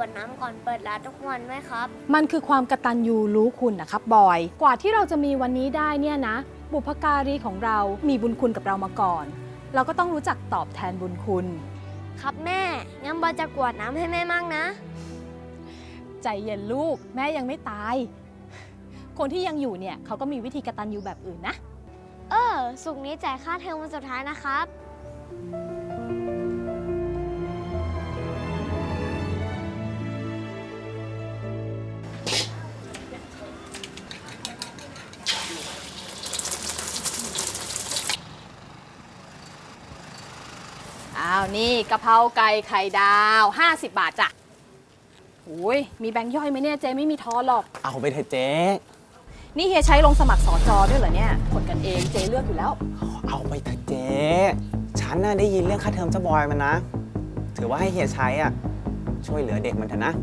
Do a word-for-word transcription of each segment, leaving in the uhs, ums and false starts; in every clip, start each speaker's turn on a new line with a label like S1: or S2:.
S1: วดน้ำก่อนเปิดร้านทุกวันไหมครับ
S2: มันคือความกตัญญูรู้คุณนะครับบอยกว่าที่เราจะมีวันนี้ได้เนี่ยนะบุพการีของเรามีบุญคุณกับเรามาก่อนเราก็ต้องรู้จักตอบแทนบุญคุณ
S1: ครับแม่งั้นบอยจะกวดน้ำให้แม่มั่งนะ
S2: ใจเย็นลูกแม่ยังไม่ตายคนที่ยังอยู่เนี่ยเขาก็มีวิธีกตัญญูแบบอื่นนะ
S1: เออศุกร์นี้จ่ายค่าเทอมวันสุดท้ายนะครับ
S2: อ้าวนี่กะเพราไก่ไข่ดาวห้าสิบบาทจ้ะโอ้ยมีแบงค์ย่อยไหมเนี่ยเจ๊ไม่มีทอนหรอก
S3: เอาไปเถอะเจ๊
S2: นี่เฮียใช้ลงสมัครสอจอด้วยเหรอเนี่ยคนกันเองเจ๊เลือกอยู่แล้ว
S3: เอาไปเถอะเจ๊ฉันน่ะได้ยินเรื่องค่าเทอมเจ้าบอยมันนะถือว่าให้เฮียใช้อ่ะช่วยเหลือเด็กมันเถอะนะ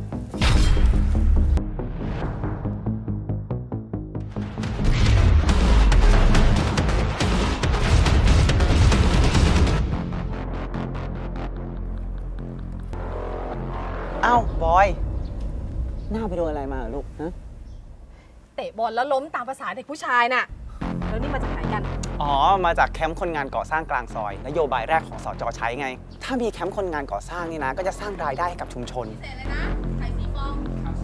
S3: เอ้าบอยหน้าไปโดนอะไรมาลูกนะ
S2: เตะบอลแล้วล้มตามภาษาเด็กผู้ชายน่ะแล้วนี่มาจากไหนกัน
S3: อ๋อมาจากแคมป์คนงานก่อสร้างกลางซอยนโยบายแรกของสจ.ใช้ไงถ้ามีแคมป์คนงานก่อสร้างนี่นะก็จะสร้างรายได้ให้กับชุมชนพิเศษเลยนะไข่สีฟอง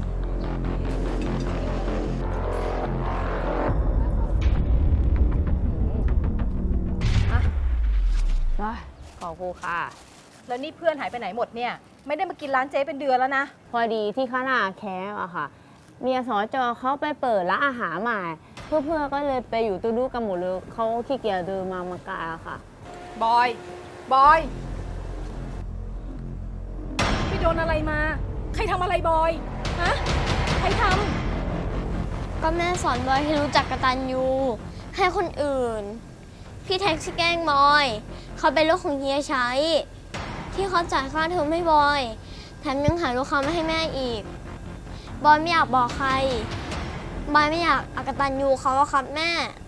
S2: อ่ะขอครูค่ะแล้วนี่เพื่อนหายไปไหนหมดเนี่ยไม่ได้มากินร้านเจ๊เป็นเดือนแล้วนะ
S4: พอดีที่ข้างหน้าแคมป์อะค่ะเมียสจเขาไปเปิดร้านอาหารใหม่เพื่อเพื่อก็เลยไปอยู่ตู้ดูกันหมดเลยเขาขี้เกียจเดินมามากาค่ะ
S2: บอยบอยพี่โดนอะไรมาใครทำอะไรบอยฮะใครท
S1: ำก็แม่สอนบอยให้รู้จักกตัญญูให้คนอื่นพี่แท็กซี่แกล้งบอยเขาเป็นลูกของเฮียใช้ที่เขาจ่ายค่าเทอมให้บอยแถมยังหาลูกค้ามาให้แม่อีกบอยไม่อยากบอกใครบอยไม่อยากอกตัญญูเขาครับแม่